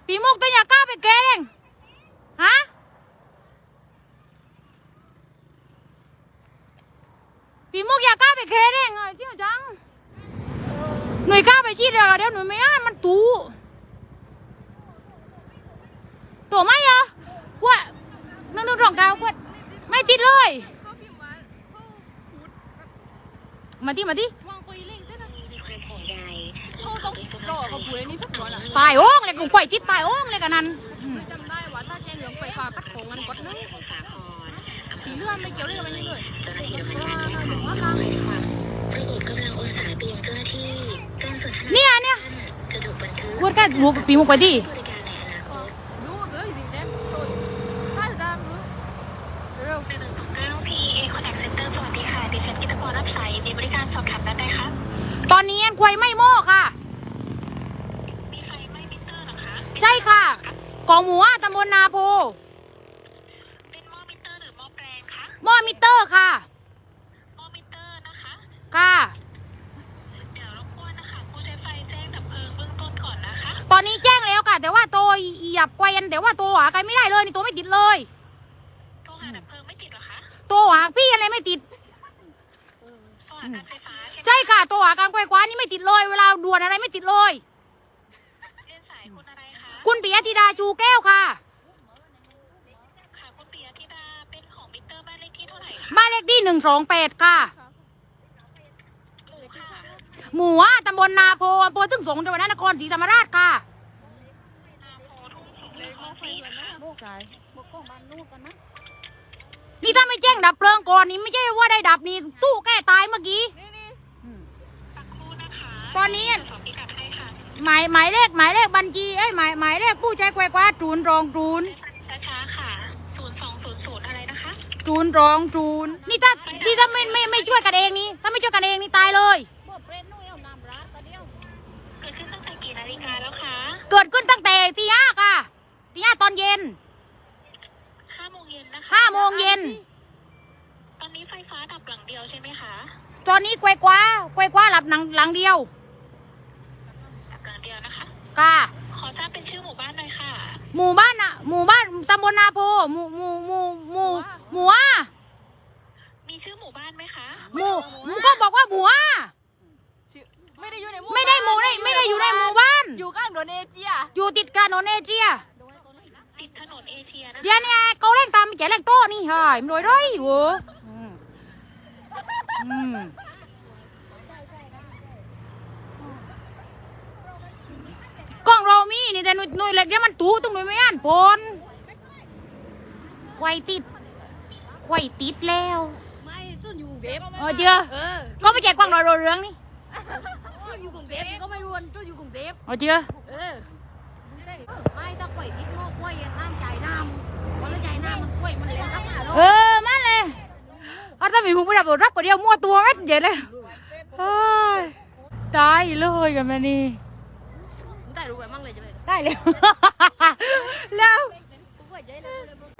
ปีมุกตัวอยากกล้าไปแกเองฮะปีมุกอยากกล้าไปแกเองเที่ยวจังหน่วยกล้าไปชี้เดียวเดี๋ยวหน่วยไม่อ่านมันตู้ตัวไม่เหรอกว่านึ่งรองเท้ากว่าไม่ติดเลยมาที่วางคุยเล่นซะนะเขาต้องรอเขาคุยนี่สักวันอ่ะตายโอ่งเลยกูไก่ติดตายโอ่งเลยกันนั้นคือจำได้ว่าถ้าแจ้งเรื่องไฟฟ้าคัดของเงินกดนึงสีเลื่อนไม่เกี่ยวเรื่องอะไรนี่เลยเนี่ยกูแค่บุกปีมุกไปดิดูเดี๋ยวสิแจ้งตัวถ้าจะได้รู้เร็วตอนนี้อันควายไม่โม่ค่ะมีไฟไหม้มิเตอร์หรอคะใช่ค่ะกองหมูตำบลนาโพเป็นหม้อมิเตอร์หรือหม้อแปลงคะหม้อมิเตอร์ค่ะหม้อมิเตอร์นะคะค่ะเดี๋ยวรบกวนนะคะผู้ใช้ไฟแจ้งดับเพลิงเบื้องต้นก่อนนะคะตอนนี้แจ้งแล้วค่ะแต่ว่าตัวหยับไกวแต่ว่าตัวหาใครไม่ได้เลยนี่ตัวไม่ติดเลยตัวหาดับเพลิงไม่ติดหรอคะตัวหาพี่อะไรไม่ติดใช่ค่ะตัวหาการไขว้คว้านี่ไม่ติดเลยเวลาด่วนอะไรไม่ติดเลยเรียนสายคุณอะไรคะคุณปิยธิดาชูแก้วค่ะค่ะคุณปิยธิดาเป็นของมิเตอร์บ้านเลขที่เท่าไหร่คะบ้านเลขที่128ค่ะหมู่ตำบลนาโพอำเภอทุ่งสงจังหวัดนครศรีธรรมราชค่ะนี่ถ้าไม่แจ้งดับเพลิงก่อนนี่ไม่ใช่ว่าได้ดับนี่ตู้แก้ตายเมื่อกี้ตอนนี้หมายเลขบัญชีหมายเลขผู้ใช้ไขว้คว้า020ช้าค่ะ0200อะไรนะคะ020นี่ถ้าไม่ช่วยกันเองนี่ถ้าไม่ช่วยกันเองนี่ตายเลยเกิดขึ้นตั้งแต่กี่นาฬิกาแล้วคะเกิดขึ้นตั้งแต่ตี 5ค่ะตี 5ตอนเย็น5 โมงเย็นนะคะ5 โมงเย็นตอนนี้ไฟฟ้าดับหลังเดียวใช่ไหมคะตอนนี้ไขว้คว้าหลับหลังเดียวหลังเดียวนะคะค่ะขอทราบเป็นชื่อหมู่บ้านหน่อยค่ะหมู่บ้านตำบลนาโพหมู่มีชื่อหมู่บ้านไหมคะหมู่ก็บอกว่าหมู่ไม่ได้อยู่ในไม่ได้อยู่ในหมู่บ้านอยู่ข้างถนนเอเชียอยู่ติดกับถนนเอเชียติดถนนเอเชียนะเดี๋ยวนี้เขาเล่นตามแจกเล่นโต้นี่เฮ้ยมันรวยร้อยเว้ยกล้องเรามีนี่แต่หน่วยเล็กเนี่ยมันตู้ตรงหน่วยไม่อ่านผลไขว้ติดแล้วไม่ต้นอยู่เด็บเจ้าก็ไม่แจกกล้องเราเรื่องนี่ต้นอยู่กรุงเทพก็ไม่รวนต้นอยู่กรุงเทพเจ้าไม่ถ้าไขว้ติดงอกไขว้น้ำใจน้ำวันละใจน้ำมันไขว้มันเลี้ยงรับมันเลยถ้ามีหูไม่ดับรับก็เดียวมั่วตัวเม็ดเย็นเลยตายเลยกันมานี่ได้รู้ไปมั่งเลยจะไปได้แล้วแล้ว